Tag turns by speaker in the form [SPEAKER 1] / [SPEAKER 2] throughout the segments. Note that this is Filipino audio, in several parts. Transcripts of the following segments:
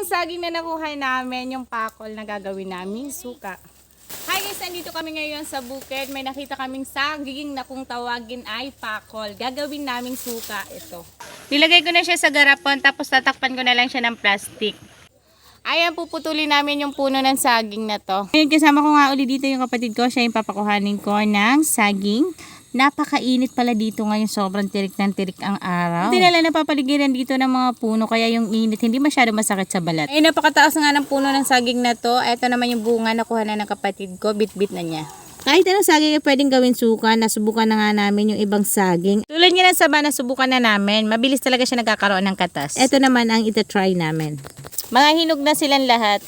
[SPEAKER 1] saging na nakuha namin, yung pakol na gagawin namin suka. Hi guys, nandito kami ngayon sa bukid. May nakita kaming saging na kung tawagin ay pakol. Gagawin naming suka ito. Nilagay ko na siya sa garapon tapos tatakpan ko na lang siya ng plastic. Ayan, puputulin namin yung puno ng saging na to. Ngayon, kasama ko nga uli dito yung kapatid ko. Siya yung papakuhanin ko ng saging. Napakainit pala dito ngayon. Sobrang tirik ng tirik ang araw. Hindi nila napapaligiran dito ng mga puno. Kaya yung init hindi masyado masakit sa balat. Ay, napakataas nga ng puno ng saging na to. Ito naman yung bunga na kuha na ng kapatid ko. Bit-bit na niya. Kahit anong saging ay pwedeng gawin suka, nasubukan na nga namin yung ibang saging. Tulad nga ng saba, nasubukan na namin. Mabilis talaga siya nagkakaroon ng katas. Ito naman ang ita-try namin. Mga hinog na silang lahat.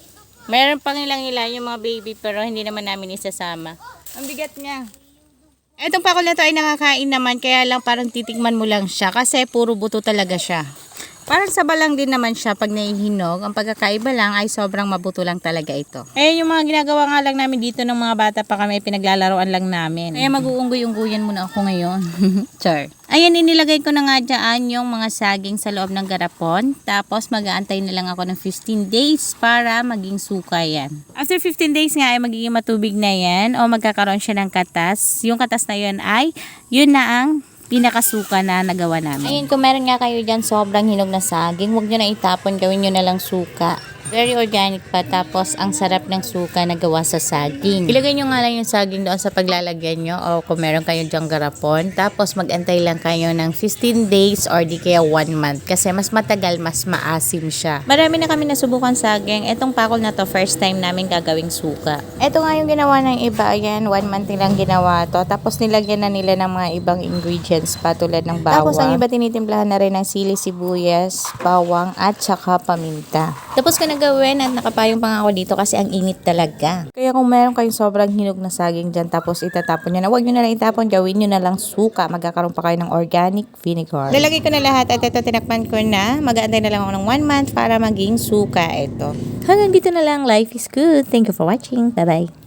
[SPEAKER 1] Meron pang ilang-ilan yung mga baby pero hindi naman namin isasama. Ang bigat niya. Etong pakol na to ay nakakain naman kaya lang parang titikman mo lang siya kasi puro buto talaga siya. Parang saba lang din naman siya pag naihinog. Ang pagkakaiba lang ay sobrang mabuto lang talaga ito. Eh yung mga ginagawa nga lang namin dito ng mga bata pa kami, pinaglalaroan lang namin. Kaya mag-uunggoy-unggoyan muna ako ngayon. Char. Ayan, inilagay ko na nga dyan yung mga saging sa loob ng garapon. Tapos mag-aantay na lang ako ng 15 days para maging suka yan. After 15 days nga ay magiging matubig na yan o magkakaroon siya ng katas. Yung katas na yun ay, yun na ang pinakasuka na nagawa namin. Ayun, kung meron nga kayo dyan sobrang hinog na saging, huwag nyo na itapon, gawin nyo na lang suka. Very organic pa, tapos ang sarap ng suka na gawa sa saging. Ilagay nyo nga lang yung saging doon sa paglalagyan nyo o kung meron kayo dyang garapon. Tapos magantay lang kayo ng 15 days or di kaya 1 month kasi mas matagal, mas maasim siya. Marami na kami nasubukan saging. Etong pakol na to, first time namin gagawing suka. Eto nga yung ginawa ng iba. Ayan, 1 month nilang ginawa to. Tapos nilagyan na nila ng mga ibang ingredients pa tulad ng bawang. Tapos ang iba tinitimplahan na rin ng sili, sibuyas, bawang at saka paminta. Tapos ko gawin at nakapayong pa nga ako dito kasi ang init talaga. Kaya kung meron kayong sobrang hinog na saging dyan tapos itatapon nyo na, huwag nyo na lang itapon, gawin nyo na lang suka. Magkakaroon pa kayo ng organic vinegar. Nalagay ko na lahat at ito tinakpan ko na. Mag-aantay na lang ako ng 1 month para maging suka ito. Hanggang dito na lang. Life is good. Thank you for watching. Bye-bye.